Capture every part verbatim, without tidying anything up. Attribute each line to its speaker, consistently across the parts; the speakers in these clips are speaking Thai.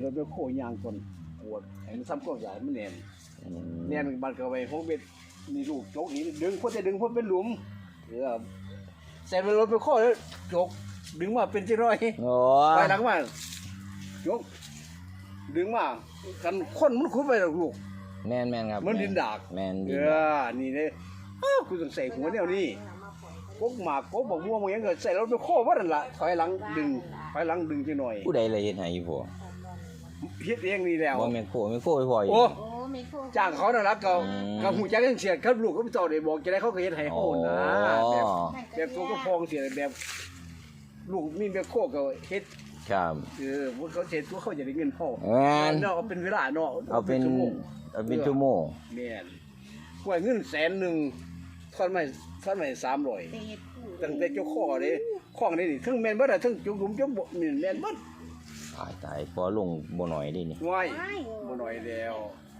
Speaker 1: รถไปโคยางก่อนปวดให้มันซ้ำก็ใหญ่มันแน่นแน่นบัดก็ไปหกเม็ดมีลูกจกนี่ดึงพอจะดึงพอเป็นหลุมเออใส่รถไปโคแล้วจกดึงมาเป็นที่ร้อยโอ้ไปหลังมาจกดึงมากันคนมันขุดไปหรอกลูก
Speaker 2: แม่นแม่นครับ
Speaker 1: มันดินดาก
Speaker 2: แม่น
Speaker 1: เออนี่เลยกูต้องใส่หัวแนวนี้กกหมากกกบักม่วงมันยังเกิดใส่รถไปโคว่านั่นล่ะถอยหลังดึงถอยหลังดึงจังหน่อย
Speaker 2: ผู้ใดเลยเฮ็ดให้พ่อ
Speaker 1: เฮ็ดเองนี่แล้ว
Speaker 2: บ่แม่นโคแม่นโคไปพ่ออยู่
Speaker 1: โอ้จ้างเขาน่ะล่ะก็ก็ฮู้จักจังเสียครับลูกก็บ่ต้องได้บอกจะได้เขาก็เฮ็ดให้โหนะแบบแบบตัวก็พองเสียแบบลูกมีแบบโคก็เฮ็ด
Speaker 2: ครับ
Speaker 1: เออพวกเขาเฮ็ดตัวเขาจะได้เงินพอ
Speaker 2: แม่น
Speaker 1: เนาะเอาเป็นเวลาเนาะ
Speaker 2: เอาเป็นเอาเป็นชั่วโมง
Speaker 1: แม่นกว่าเงินแสนนึงทอนมาทอนมาสามร้อยตั้งแต่เจ้าข้อเด้ข้องนี่นี่ทั้งแม่นเบิดอ่ะทั้งจุกหลุมจุกบ่นี่แม่นเบิด
Speaker 2: ตายตายพอลงบ่น้อยดินี่
Speaker 1: ว้ายบ่น้อยแล้ว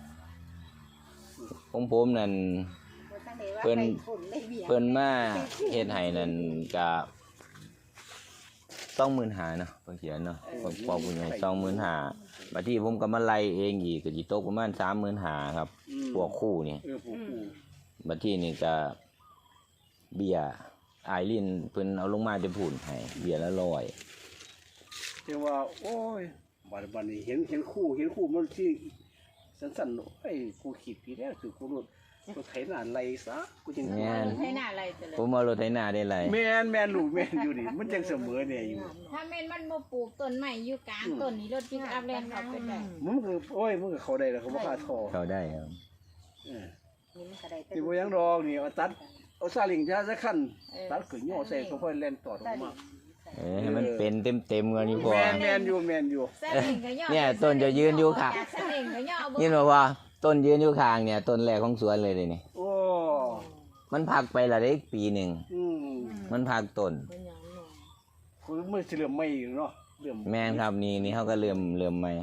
Speaker 2: ของผมนั่นเพิ่นเพิ่นมาเฮ็ดให้นั่นก็สองหมื่นห้าพันเนาะเพิ่นเขียนเนาะผมบอกผู้ใหญ่ สองหมื่นห้าพัน บัดนี้ผมก็มาไล่เองอีกก็สิตกประมาณ สามหมื่นห้าพัน ครับพวกคู่นี่
Speaker 1: เออพวกคู่
Speaker 2: บัดนี้นี่ก็เบี้ยอายลินเพิ่นเอาลงมาจะพูนให้เบี้ยละร้อย
Speaker 1: แต่ว่าโอ้ยบัดบัดนี้เห็นเห็นคู่เห็นคู่มันที่สั้นๆไอ้กูคิดพี่แล้วคือกูรู้กูไถนาไล่ซะกูจัง
Speaker 2: แม่น
Speaker 3: ไถนาไล่ซะเลย
Speaker 2: ผมเอารถไถนาได้ไล่
Speaker 1: แม่นแม่นลูกแม่นอยู่นี่มันจังเสมอเนี่ยอยู่
Speaker 3: ถ้าแม่นมันบ่ปลูกต้นไม้อยู่กลางต้นนี่รถปิกอัพแล่นเข้าไปได้
Speaker 1: มันคือโอ้ยมันก็เข้าได้แล้วเขาบ่คาท่อ
Speaker 2: เข้าได้ครับ
Speaker 1: เออนี่บ่ยังดอกนี่เอาตัดเอาซาเล้งจ้าสักคันตัดขึ้นย่อใส่ค่อยๆแล่นตอดออกมา
Speaker 2: เออให้มันเป็นเต็มๆกันนี่พอ
Speaker 1: แม่นแม่นอยู่แม่นอยู่
Speaker 2: เนี่ยต้นจะยืนอยู่ค่ะนี่บ่ว่าต้นยืนอยู่ข้างเนี่ยต้นแรกของสวนเลยเด้นี่
Speaker 1: โอ้
Speaker 2: มันพักไปละได้ปีหนึ่งมันพักต้น
Speaker 1: คือมันสิเริ่มใหม่เนาะเริ่ม
Speaker 2: แม่นครับนี่นี่เขาก็เริ่มเริ่มใหม่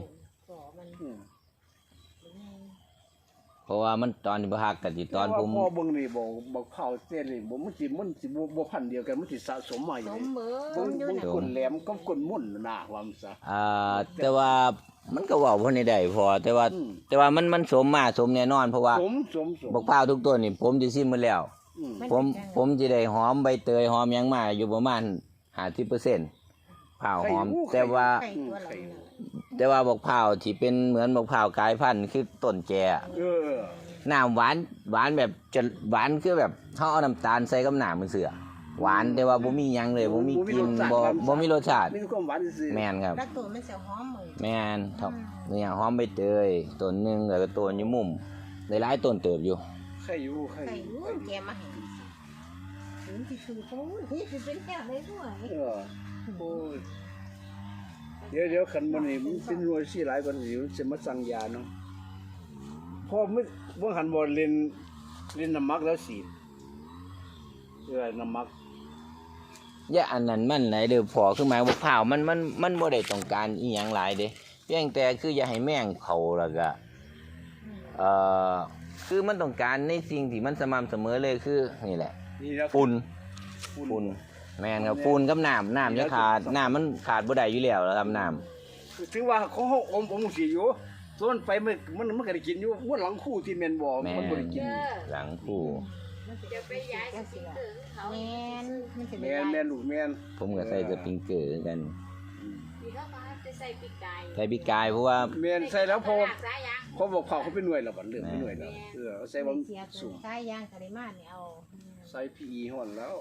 Speaker 2: เพราะว่ามันตอนที่บ่ฮักกันสิตอนผม
Speaker 1: พอเบิ่งนี่บ่บ่เผาเต้นนี่บ่มันสิมันสิบ่บ่พันเดียวกันมันสิสะสมมาอยู่นี่เบิ่งเบิ่งก้นแหลมกับก้นมุ่นน่ะว่ามันซะ
Speaker 2: อ่าแต่ว่ามันก็เว้าบ่ได้พอแต่ว่าแต่ว่ามันมันสมมาสมแน่นอนเพราะว่า
Speaker 1: สมสม
Speaker 2: บักพร้าวทุกต้นนี่ผมสิซิมหมดแล้วผมผมสิได้หอมใบเตยหอมหยังมาอยู่ประมาณ ห้าสิบเปอร์เซ็นต์ พร้าวหอมแต่ว่าแต่ว่าบักพร้าวที่เป็นเหมือนบักพร้าวกลายพันธุ์คือต้นแก่
Speaker 1: เออ
Speaker 2: น้ำหวานหวานแบบจะหวานคือแบบเฮาเอาน้ำตาลใส่กับน้ำมันเสือหวานแต่ว่าบ่มีหยังเลยบ่มีกลิ่นบ่บ่มีรสชาติ
Speaker 1: มีความหวานซื่อ
Speaker 2: แม่นครับ
Speaker 3: แล้วต้นมันสิหอมมื้อ
Speaker 2: แม่นครับเนี่ยหอมใบเตยต้นนึงแล้วก็ต้นอยู่มุมหลายๆต้นเติบอยู่
Speaker 1: ใครอยู่ใครอยู่
Speaker 3: แกมาให้ถึงสิคือโอ้ยนี่สิเป็นแค่ได้ด้วย
Speaker 1: เออโอ้ยเดี๋ยวเดี๋ยวคันมันนี่มันเป็นหน่วยสิหลายกว่านี้มันสิมาสั่งยาเนาะพอมันบ่หันบ่เล่นเล่นน้ำมักแล้วสีดเออน้ำมัก
Speaker 2: อย่าอันนั้นมันไหนเด้อพอคือหมายว่าข้าวมันมันมันบ่ได้ต้องการอีหยังหลายเด้เพียงแต่คืออย่าให้แมงเข้าแล้วก็เอ่อคือมันต้องการในสิ่งที่มันสม่ำเสมอเลยคือนี่แหละฝุ่นฝุ่นแม่นครับฝุ่นกับน้ำน้ำจะขาดน้ำมันขาดบ่ได้อยู่แล้วครับน้
Speaker 1: ำถือว่าของเฮาอมอมสิอยู่ส่วนไปมันมันมันก็ได้กินอยู่มันหลังคู่ที่แม่นบ่มันบ่ได้กิน
Speaker 2: หลังคู่
Speaker 3: จะไปย้ายสปริงเกอร์เขาแม่นมันสิ
Speaker 1: แม่นแม่นลูกแม่น
Speaker 2: ผมก็ใส่สปริงเกอร์กัน
Speaker 3: สิเขามาจะใส่ปีกไก่
Speaker 2: ใส่ปีกไก่เพราะว่า
Speaker 1: แม่นใส่แล้วพอเขาบอกเขาเขาเป็นหน่วยแล้วบัดเรื่องเป็นหน่วยแล้วเออใส่บ่สูง
Speaker 3: ใส่ยางกะได้มานี่เอา
Speaker 1: ใส่ พี อี ฮ้อนแล้ว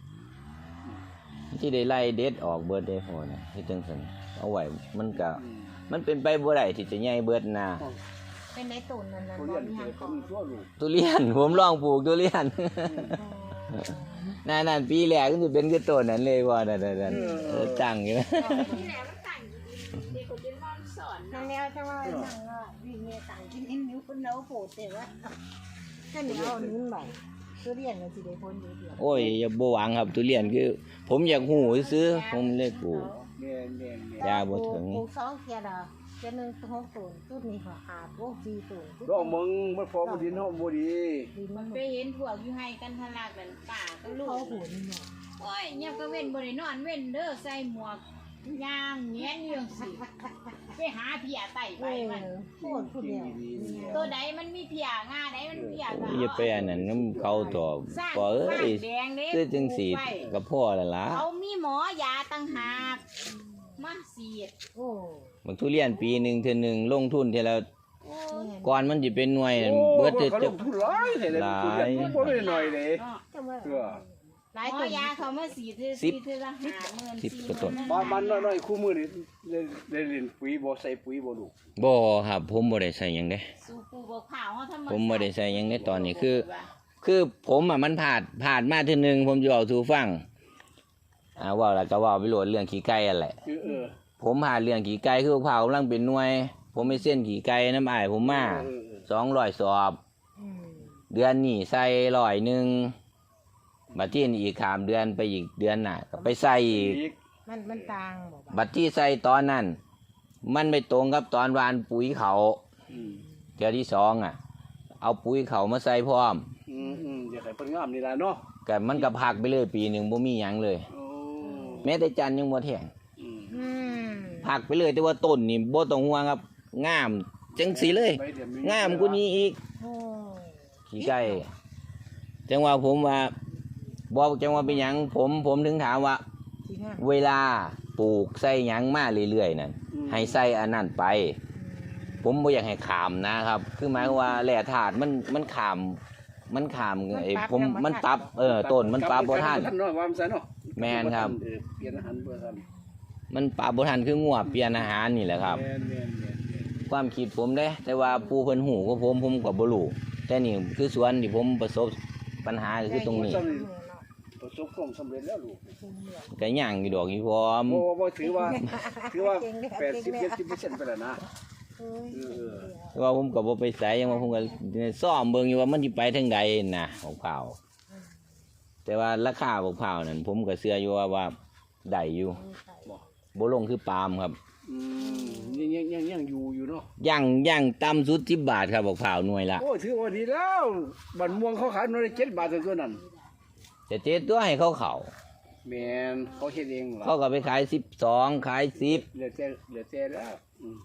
Speaker 2: ที่ได้ไล่เด็ดออกเบิดได้พอนะเฮ็ดจังซั่นเอาไว้มันก็มันเป็นไปบ่ได้ที่จะใหญ่เบิดนะ
Speaker 3: เป็นในต้นนั่นน่ะ
Speaker 1: บ่มีหยังของ
Speaker 2: ทุเรียนผมลองปลูกทุเรียนนั่นๆปีแรกก็สิเป็นคือต้นนั้นเลยว่านั่นๆเออตั้งอยู่นะ
Speaker 3: ปีแรกมันตั้งเด็กคนเป็นมอนสอนนั่นแล้วจังว่านั่งว่าวิ่งเนี่ยตั้งกินนิ้วคนเนาโผล่แต่ว่าก็เหนียวนิ้วใหม่ทุเรียนก็สิได้ผลดีเดียว
Speaker 2: โอ้ยอย่าบ่หวังครับทุเรียนคือผมอยากฮู้ซื้อผมเลยปลูก
Speaker 1: แม่น
Speaker 2: ๆยาบ่ถึง
Speaker 3: ปลูกสองเที่ยดอกเจะหนึ่งหกต้นต้นนี้ก็ขาดพวกสี่ต้น
Speaker 1: ดอกมึงมันพอมันดินเฮาบ่ดี
Speaker 3: มันไปเห็นพวกอยู่ให้กันทะลักกันป่าก็ลูกโอ้ยยับก็เว้นบ่ได้นอนเว้นเด้อใส่หมวก
Speaker 4: ย่างเงี้ยเรื่องสิไปหาเพียไต่
Speaker 3: เอ
Speaker 4: ไป
Speaker 3: อ
Speaker 4: มัน
Speaker 3: โคตรผู้เดียว
Speaker 4: ตัวใดมันมีเพียงาใดมันเพียก็
Speaker 2: อย่าไปอันนั้นนำเขาตัว
Speaker 4: สร้าง
Speaker 2: พอเอ้
Speaker 4: บ้าน
Speaker 2: ย
Speaker 4: แดงเด้
Speaker 2: คือจังสี
Speaker 4: ปลูกไว้
Speaker 2: ก็พอแล้วล่ะ
Speaker 4: เขามีหมอยาต่างหากมาสีด
Speaker 3: โอ้
Speaker 2: บักทุเรียนปีหนึงเทื่อหนึงลงทุนเท่าละ
Speaker 4: โอ้
Speaker 2: ก่อนมันสิเป็นหน่วยนั่น
Speaker 1: โอ้
Speaker 2: เบิด
Speaker 1: เบิ
Speaker 2: จะ
Speaker 1: ดจะหลายเลยเลยทุเรียนบ่ได้หน่อยเลย
Speaker 4: เนาะ
Speaker 3: จะว่า
Speaker 1: เออ
Speaker 3: หลาย
Speaker 4: หม
Speaker 3: ตั
Speaker 4: อ
Speaker 3: วย
Speaker 4: าเขามาสีดคือสีดคือละห้าหมื่นสี่หมื่น
Speaker 1: บ้านมันน้อยๆคู่มือนี่ได้ได้เล่นปุ๋ยบ่ใส่ปุ๋ยบ่ลูก
Speaker 2: บ่ครับผมบ่ได้ใส่หยังเด้
Speaker 4: สูบปูบอกข่าวเขาทำา
Speaker 2: ผมบ่ได้ใส่หยังในตอนนี้คือ คือผมอ่ะมันผ่านผ่านมาเทื่อหนึงผมจะเอาสู่ฟังอ่าเว้าแล้วก็เว้าไปโหลดเรื่องขี้ไก่นั่นแหละ
Speaker 1: เออเออ
Speaker 2: ผมผ่านเรื่องขี้ไก่คือพร้าวกำลังเป็นหน่วย ผมไปเส้นขี้ไก่น้ำอ้ายผมมา
Speaker 1: เออเออ
Speaker 2: สองร้อยสอบ
Speaker 3: อืม
Speaker 2: เดือนนี้ใส่ร้อยหนึงบัดที่นี่อีกขามเดือนไปอีกเดือนหน้าก็ไปใส่อีก
Speaker 1: อีก
Speaker 3: มันมันต่างบอกว่า
Speaker 2: บัดที่ใส่ตอนนั้น มันไม่ตรงกับตอนวานปุ๋ยเขา
Speaker 1: อืม
Speaker 2: เทื่อที่สองอ่ะ เอาปุ๋ยเขามาใส่พร้อม
Speaker 1: อืมอืมอยากให้เพิ่นงามนี่ล่ะเนาะ
Speaker 2: ก็มันก็พักไปเลยปีหนึ่งบ่มีหยังเลย
Speaker 1: โอ้
Speaker 2: แม้แต่จันทร์ยังบ่แทง
Speaker 1: อืม
Speaker 3: อืม
Speaker 2: พักไปเลยแต่ว่าต้นนี่บ่ต้องห่วงครับ งามจังสีเลย
Speaker 1: ใบเดี๋ยว
Speaker 2: งามกว่านี้อีก
Speaker 3: โอ้
Speaker 2: ขี้ไก่จังว่าผมว่าบอกจังว่าเป็นหยังผมผมถึงถามว่า
Speaker 3: จริงอ่ะ
Speaker 2: เวลาปลูกใส่หยังมาเรื่อยๆนั่นให้ใส่อันนั้นไป ผมบ่อยากให้ขามนะครับ คือหมายความว่าแหล่ถาดมันมันขาม มันขามไอ้ผมมันปรับเออต้นมันปรับบ่ทัน
Speaker 1: เนาะว่ามันซะเนาะ
Speaker 2: แม่นครับ
Speaker 1: เออเปลี่ยนอาหารบ่ทัน
Speaker 2: มันปรับบ่ทันคืองัวเปลี่ยนอาหารนี่แหละครับ
Speaker 1: แม่นแม่นแม่นแม่น
Speaker 2: ความคิดผมเด้ แต่ว่าผู้เพิ่นหูก็ผมผมก็บ่รู้แต่นี่คือส่วนที่ผมประสบปัญหาก็คือตรงนี้
Speaker 1: ประสบความสำเร็จแล้วลูก
Speaker 2: ก็ย่างอยู่ดอกอยู่พร้อม
Speaker 1: บ่บ่ถือว่า ถือว่าแปดสิบ เจ็ดสิบเปอร์เซ็นต์ไปแล้วนะ
Speaker 3: เอ้ย
Speaker 1: เออเออ
Speaker 2: แต่ว่าผมก็บ่ไปไสยังว่าผมก็ซ่อมเบิ่งอยู่ว่ามันสิไปทางใดนะของเผาวแต่ว่าราคาของเผาวนั่นผมก็เชื่ออยู่ว่าว่าได้อยู่บ่ลงคือปาล์มครับ
Speaker 1: อืมยังยังยังยังอยู่อยู่เนาะ
Speaker 2: ย่างย่างต่ำสุดสิบบาทครับของเผาวหน่วยละ
Speaker 1: โอ้ถือว่าดีแล้วบันม่วงเขาขายหน่วยละเจ็ดบาทเท่าตัวนั้น
Speaker 2: จะเจ็ดตัวให้เขาเขา
Speaker 1: แม่นเขาเฮ็ดเองเหรอ
Speaker 2: เขาก็ไปขายสิบสองขายสิบ
Speaker 1: เหลือแต่เหลือแต่แล้วอืม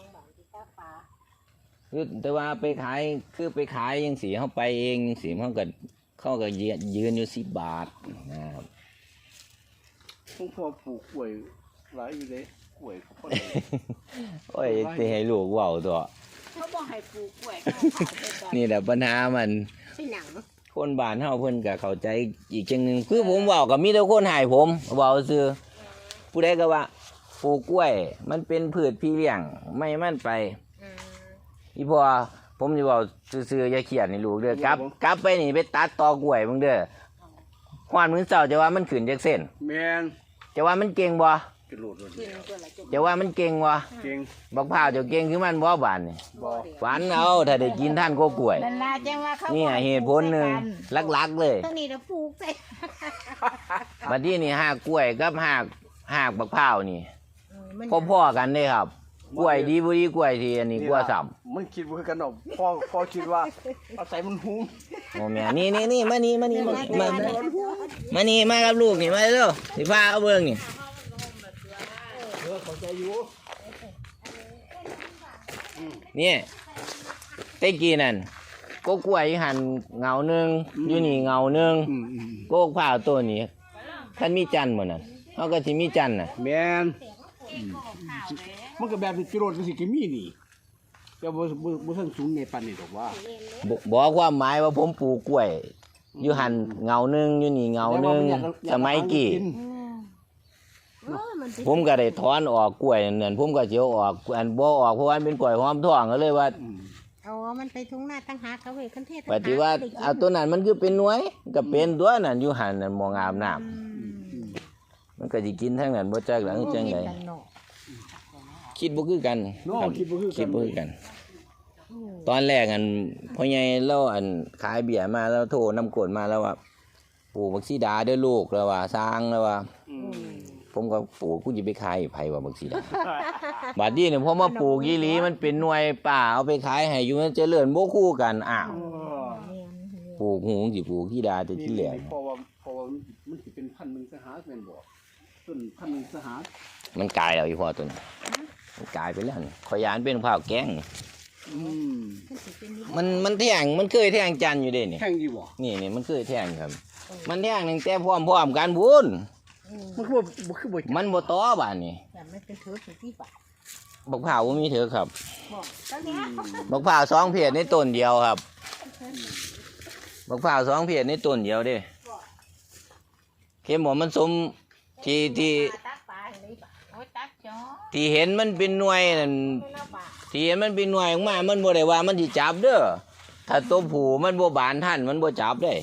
Speaker 2: คือแต่ว่าไปขายคือไปขายยังสีเขาไปเองยังสีเขาก็เขาก็ยืนยืนอยู่สิบบาทนะครับ
Speaker 1: ผมพอปลูกกล้วยหลายอยู่เลยกล้วยเขาพอได้
Speaker 2: โอ้ยสิให้ลูกเว้าตัว
Speaker 4: เขาบอกให้ปลูกกล้วยเขาขายไปก่อน
Speaker 2: นี่แหละปัญหามัน
Speaker 3: เป็นหนัง
Speaker 2: คนบ้านเฮาเพิ่นก็เข้าใจอีกจังหนึงคือผมเว้าก็มีแต่คนให้ผมเว้าซื่อผู้ใดก็ว่าปลูกกล้วย มันเป็นพืชพี่เลี้ยงไม่มันไป
Speaker 3: อืม
Speaker 2: อีพ่อผมสิเว้าซื่อๆอย่าเครียดนี่ลูกเด้อกลับกลับไปนี่ไปตัดตอกล้วยมึงเด้อฮอดมื้อเช้าจะว่ามันขึ้นจักเส้น
Speaker 1: แม่น
Speaker 2: จะว่ามันเก่งบ่
Speaker 1: กระโดดเลย
Speaker 3: กินตัวละจุก
Speaker 2: จะว่ามันเก่งบ่
Speaker 1: เก่ง
Speaker 2: บักพร้าวเจะเก่งคือมันบ่บานนี่
Speaker 1: บ่
Speaker 2: ฝันเอาถ้าได้กินท่านก็กล้วย
Speaker 4: นั่นล่ะจังว่าเขา
Speaker 2: นี่
Speaker 4: บอก
Speaker 2: เหตุผลหนึ่งหลักๆเลย
Speaker 3: ตัวนี้เราปลูกใส่
Speaker 2: บัดนี้นี่หากกล้วยกับหากหากบักพร้าวนี่
Speaker 3: เออมัน
Speaker 2: พ่อๆกันเด้ครับกล้วยดีบ่ดีกล้วยที่อันนี้กล้วยซ้ำ
Speaker 1: มันคิดบ่คือกันดอกพ่อพ่อคิดว่าเอาใส่มันหุ้ม
Speaker 2: โอ้แม่นี่นี่นี่มานี่มานี่มามามานี่มากับลูกนี่มาเร็วสิพาเอาเบิ่งนี่
Speaker 1: เออเข้าใจอยู่
Speaker 2: นี่แต่กี้นั่นก็กล้วยหันเงาหนึงอยู่นี่เงาหนึง
Speaker 1: อืมอืม
Speaker 2: ก็บักพร้าวตัวนี้คันมีจันทร์บ่นั่นเฮาก็สิมีจันทร์น่ะ
Speaker 1: แม่นมันก็แบบนี้กิโลก็สิกิมีนี่แต่บ่บ่บ่ทันสูงในปานนี้ดอกว่า
Speaker 2: บบอกความหมายว่าผมปลูกกล้วย อยู่หันเงาหนึงอยู่นี่เงาหนึงสมัยกี้
Speaker 3: อืมเออมันเป็น
Speaker 2: ผมก็ได้ถอนออกกล้วยนั่นผมก็สิเอาออกอันบ่ออกเพราะว่ามันเป็นกล้วยหอมทองก็เลยว่า
Speaker 1: อืม
Speaker 3: เอามันไปทุ่งนาตั้งหากเขาเว้ยคันเทศ
Speaker 2: ปฏิว่าเอาตัวนั้นมันคือเป็นหน่วยก็เป็นตัวนั้นอยู่หันนั่นมองอาบน้ำ
Speaker 3: อืม
Speaker 1: อืม
Speaker 2: มันก็สิกินทั้งนั้นบ่จักหลังจังได
Speaker 3: โอ้เฮ็กันเนาะ
Speaker 2: คิดบ่คือกัน
Speaker 1: เนาะ
Speaker 2: ครับ
Speaker 1: คิดบ่คือ
Speaker 2: คิ
Speaker 1: กั
Speaker 2: ด
Speaker 1: น
Speaker 2: บ่คือกัน ตอนแรกอันพ่อใหญ่เราอันขายเบียร์มาแล้วโทรนำกดมาแล้วว่าปลูกบักซีดาเด้อลูกแล้วว่าสร้างแล้วว่า
Speaker 1: อืม
Speaker 2: ผมก็ปลูกกูจะไปขายให้ไผว่าบักซีดา บัดนี้เนี่ยพอมาปลูกยีหลีมันเป็นหน่วยป่าเอาไปขายให้อยู่มันเจริญบ่คู่กันอ้าว
Speaker 1: เออ
Speaker 3: แม่น
Speaker 2: ปลูกหูสิปลูกที่ดาแต่ที่เหลือ
Speaker 1: นี่เพราะว่าเพราะว่ามันสิเป็นพันธุ์หนึงสหาแม่นบ่ต้นพันธุ์หนึงสหา
Speaker 2: มันกลายแล้วอีพ่อตัวนี้มันกลายไปแล้วนี่ขอยยานเป็นข้าวแกงนี่
Speaker 1: อืม
Speaker 3: ขึ้นสิเป็นนี่
Speaker 2: มันมันแท่งมันเคยแท่งจันทร์อยู่เด้นี่
Speaker 1: แข่งดีบ่
Speaker 2: นี่นี่มันเคยแท่งครับ มันแท่งตั้งแต่พร้อมพร้อมกันบุญ
Speaker 1: มันคือบ่คือบ่
Speaker 2: มันบ่ต่อบ้านนี่
Speaker 3: แต่ไม่เป็นเธอเป็นที่ปะ
Speaker 2: บักพร้าวบ่มีเถอะครับ
Speaker 3: บอกตอนเนี้ย
Speaker 2: บักพร้าวสองเพจในต้นเดียวครับบักพร้าวสองเพจในต้นเดียวเด้เข็มบอกมันสมที่ที่
Speaker 3: ตักปลาเลยปะ
Speaker 4: โอ้ยตักจ้อ
Speaker 2: ที่เห็นมันเป็นหน่วยนั่น
Speaker 3: ไม่เล่าปลา
Speaker 2: ที่เห็นมันเป็นหน่วยออกมามันบ่ได้ว่ามันสิจับเด้อถ้าตัวผู้มันบ่บานทันมันบ่จับได้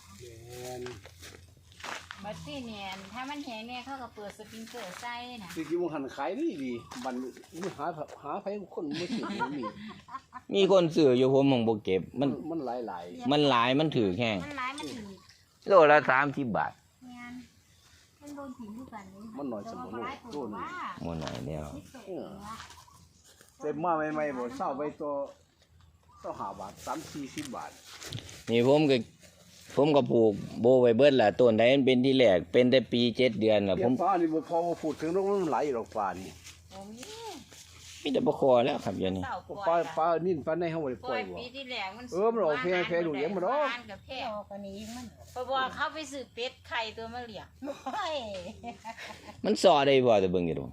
Speaker 4: บัดซี่เนี่ยถ้ามันแห้งเนี่ยเขาก็เปิดสปริงเกอร์ใส่น่ะ
Speaker 1: สิกินมันหันขายดีดีบันมันหาหาไผคนบ่สิมันมี
Speaker 2: มีคนซื้ออยู่ผมของบ่เก็บมัน
Speaker 1: มันหลายหลาย
Speaker 2: มันหลายมันถือแห้ง
Speaker 3: มันร้ายมันถึง
Speaker 2: โลละสามสิบบาท
Speaker 3: งานมันโดนถิ่นทุกกันเลย
Speaker 1: มันหน่อยสมบูรณ์โดน
Speaker 3: ว่า
Speaker 2: หมดไหนแล้ว
Speaker 1: เต็มมาใหม่ๆบ่เศร้าไปตัวต้องหาบาทสามสี่สิบบาท
Speaker 2: นี่ผมก็ผมก็ปลูกโบไว้เบิดล่ะต้นใดมันเป็นที่แรกเป็นแต่ปีเจ็ดเดือนล่ะ
Speaker 1: เปี
Speaker 2: ผ
Speaker 1: ย
Speaker 2: ม
Speaker 1: ฟ้านี่บ่พอมาพูดถึงโรคมันไหลายอยู่ดอกฟ้านี่
Speaker 4: โอ้ย
Speaker 2: มีแต่บ่คอแล้วครับเดี๋ยวนี้
Speaker 4: เต่าป
Speaker 1: ป
Speaker 4: ล่
Speaker 1: ลา
Speaker 4: อย
Speaker 1: ปลานิ่นปลาในเฮาบ่ได้
Speaker 4: ป
Speaker 1: ป
Speaker 4: ล่
Speaker 1: ล่
Speaker 4: อ
Speaker 1: อย ยบ่
Speaker 4: ปีที่แล้วมัน
Speaker 1: เออมันออกแพร่แพร่ดูเลี้ยงมันเนาะ
Speaker 4: กับแพร่
Speaker 3: ออกกันนี้มัน
Speaker 4: เพราะว่าเขาไปซื้อเป็ดไข่ตัวมาเลี้ยง
Speaker 3: โอ้ย
Speaker 2: มันสอได้บ่แต่เบิ่งอยู่ดอก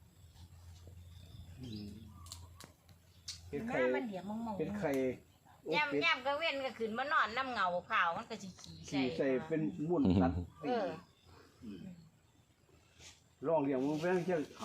Speaker 1: เฮ็ด
Speaker 3: ห
Speaker 1: ไข่
Speaker 3: น้ามันเดี๋ยวมองมอง
Speaker 1: เฮ็ดไข่โอ้เป็ด
Speaker 4: ย่ำย่ำก็เว้นก็ขึ้นมานอนน้ำเงาเผามันก็สิขี่ใส่
Speaker 1: ขี่ใส่เป็นม่วนตัด
Speaker 4: เออ
Speaker 1: ลองเลี้ยงมันเพียงเที่ยง